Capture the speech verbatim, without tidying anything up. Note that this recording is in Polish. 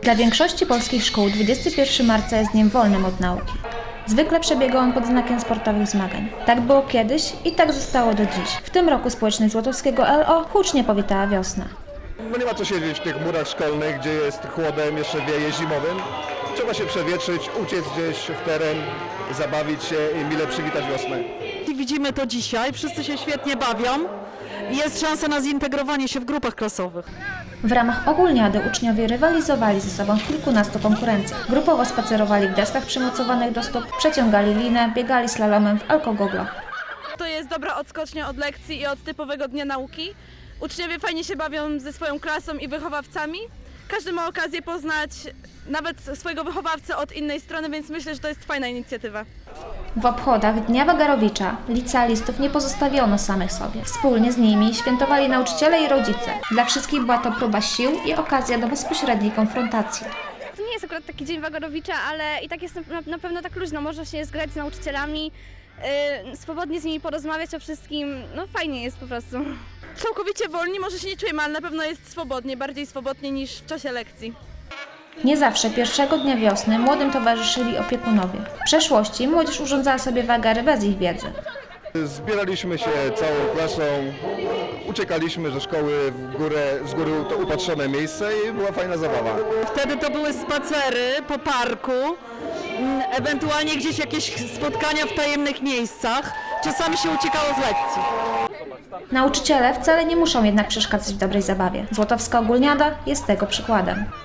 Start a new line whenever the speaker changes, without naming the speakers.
Dla większości polskich szkół dwudziestego pierwszego marca jest dniem wolnym od nauki. Zwykle przebiega on pod znakiem sportowych zmagań. Tak było kiedyś i tak zostało do dziś. W tym roku społeczność Złotowskiego L O hucznie powitała wiosnę.
No nie ma co siedzieć w tych murach szkolnych, gdzie jest chłodem, jeszcze wieje zimowym. Trzeba się przewietrzyć, uciec gdzieś w teren, zabawić się i mile przywitać wiosnę.
Widzimy to dzisiaj, wszyscy się świetnie bawią i jest szansa na zintegrowanie się w grupach klasowych.
W ramach ogólniady uczniowie rywalizowali ze sobą w kilkunastu konkurencjach. Grupowo spacerowali w deskach przymocowanych do stóp, przeciągali linę, biegali slalomem w alkogoglach.
To jest dobra odskocznia od lekcji i od typowego dnia nauki. Uczniowie fajnie się bawią ze swoją klasą i wychowawcami. Każdy ma okazję poznać nawet swojego wychowawcę od innej strony, więc myślę, że to jest fajna inicjatywa.
W obchodach Dnia Wagarowicza licealistów nie pozostawiono samych sobie. Wspólnie z nimi świętowali nauczyciele i rodzice. Dla wszystkich była to próba sił i okazja do bezpośredniej konfrontacji.
To nie jest akurat taki dzień Wagarowicza, ale i tak jest na, na pewno tak luźno. Można się zgrać z nauczycielami, yy, swobodnie z nimi porozmawiać o wszystkim. No fajnie jest po prostu.
Całkowicie wolni może się nie czujemy, ale na pewno jest swobodnie, bardziej swobodnie niż w czasie lekcji.
Nie zawsze pierwszego dnia wiosny młodym towarzyszyli opiekunowie. W przeszłości młodzież urządzała sobie wagary bez ich wiedzy.
Zbieraliśmy się całą klasą, uciekaliśmy ze szkoły w górę, z góry to upatrzone miejsce i była fajna zabawa.
Wtedy to były spacery po parku, mm, ewentualnie gdzieś jakieś spotkania w tajemnych miejscach. Czasami się uciekało z lekcji.
Nauczyciele wcale nie muszą jednak przeszkadzać w dobrej zabawie. Złotowska Ogólniada jest tego przykładem.